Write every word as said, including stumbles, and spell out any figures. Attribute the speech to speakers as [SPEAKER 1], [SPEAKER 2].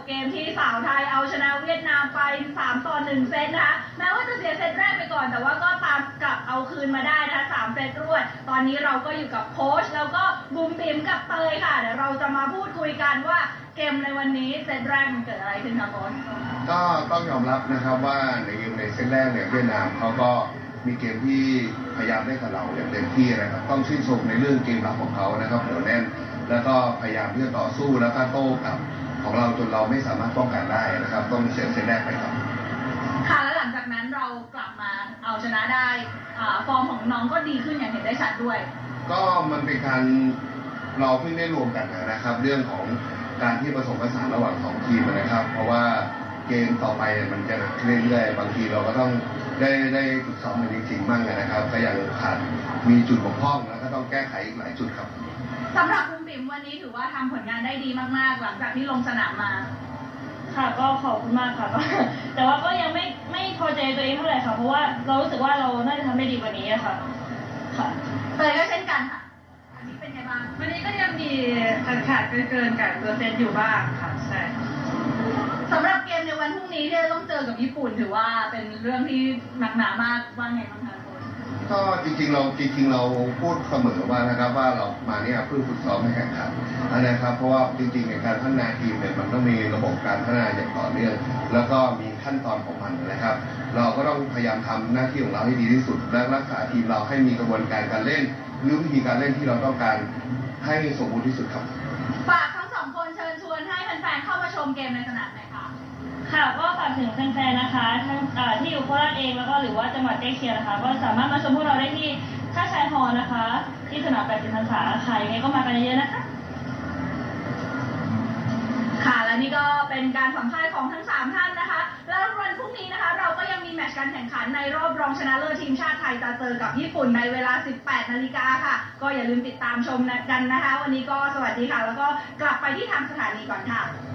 [SPEAKER 1] เกมที่สาวไทยเอาชนะเวียดนามไปสามต่อหนึ่งเซตนะคะแม้ว่าจะเสียเซตแรกไปก่อนแต่ว่าก็ตามกลับเอาคืนมาได้นะคะสามเซตรวดตอนนี้เราก็อยู่กับโค้ชแล้วก็บุ๋มบิ๋มกับเตยค่ะเดี๋ยวเราจะมาพูดคุยกันว่าเกมในวันนี้เซตแรกมันเกิดอะไรขึ้นคะโค้ช
[SPEAKER 2] ก็ต้องยอมรับนะครับว่าในเกมในเซตแรกเนี่ยเวียดนามเขาก็มีเกมที่พยายามเล่นกับเราอย่างเต็มที่นะครับต้องชื่นชมในเรื่องเกมหลักของเขานะครับเหนียวแน่นแล้วก็พยายามที่จะต่อสู้แล้วก็โต้กลับของเราจนเราไม่สามารถป้องกันได้นะครับต้องเสียเซตแรกไปครับ
[SPEAKER 1] ค่ะแล้วหลังจากนั้นเรากลับมาเอาชนะได้ฟอร์มของน้องก็ดีขึ้นอย่างเห็นได้ชัดด้วย
[SPEAKER 2] ก็มันเป็นการเราเพิ่งได้รวมกันนะครับ เรื่องของการที่ผสมผสานระหว่างสองทีมนะครับเพราะว่าเกมต่อไปมันจะหนักเรื่อยๆบางทีเราก็ต้องได้ได้ฝึกซ้อมกันจริงๆบ้างนะครับก็ยังขาดมีจุดบกพร่องแล้วก็ต้องแก้ไขอีกหลายจุดครับ
[SPEAKER 1] สำหรับบุ๋มบิ๋มวันนี้ถือว่าทำผลงานได้ดีมากๆหลังจากที่ลงสนามมา
[SPEAKER 3] ค่ะก็ขอบคุณมากค่ะแต่ว่าก็ยังไม่ไม่พอใจตัวเองเท่าไหร่ค่ะเพราะว่าเรารู้สึกว่าเราน่าจะทำได้ดีกว่านี้ค่ะค่ะ
[SPEAKER 1] เตยก็เช่นกันค่ะวันนี้เป็นไงบ้าง
[SPEAKER 3] วันนี้ก็ยังมีขาดขาดเกินๆกับเปอร์เซ็นต์อยู่บ้างค่ะใช่
[SPEAKER 1] สำหรับเกมในวันพรุ่งนี้ที่ต้องเจอกับญี่ปุ่นถือว่าเป็นเรื่องที่หนักหนามากว่าไงบ้างคะ
[SPEAKER 2] ก็จริงๆเราจริงๆเราพูดเสมอว่านะครับว่าเรามาเนี่ยเพื่อฝึกซ้อมให้แข่งขันนะครับเพราะว่าจริงๆในการพัฒนาทีมเนี่ยมันต้องมีระบบการพัฒนาอย่างต่อเนื่องแล้วก็มีขั้นตอนของมันนะครับ เราก็ต้องพยายามทำหน้าที่ของเราให้ดีที่สุดและรักษาทีมเราให้มีกระบวนการการเล่นหรือวิธีการเล่นที่เราต้องการให้สมบูรณ์ที่สุดครับ
[SPEAKER 1] ฝากทั้งสองคนเชิญชวนให้แฟนๆเข้ามาชมเกมในสนามหน่อยค่ะ
[SPEAKER 3] ค่ะก็ฝากถึงแฟนๆนะคะทั้งที่อยู่โคราชเองแล้วก็หรือว่าจังหวัดใกล้เคียงนะคะก็สามารถมาชมพวกเราได้ที่ท่าชายฮอลล์นะคะที่สนามแปดสิบพรรษาค่ะยังไงก็มากันเยอะๆนะคะ
[SPEAKER 1] ค่ะและนี่ก็เป็นการสัมภาษณ์ของทั้งสามท่านนะคะแล้ววันพรุ่งนี้นะคะเราก็ยังมีแมตช์การแข่งขันในรอบรองชนะเลิศทีมชาติไทยจะเจอกับญี่ปุ่นในเวลา สิบแปดนาฬิกาค่ะก็อย่าลืมติดตามชมกันนะคะวันนี้ก็สวัสดีค่ะแล้วก็กลับไปที่ทางสถานีก่อนค่ะ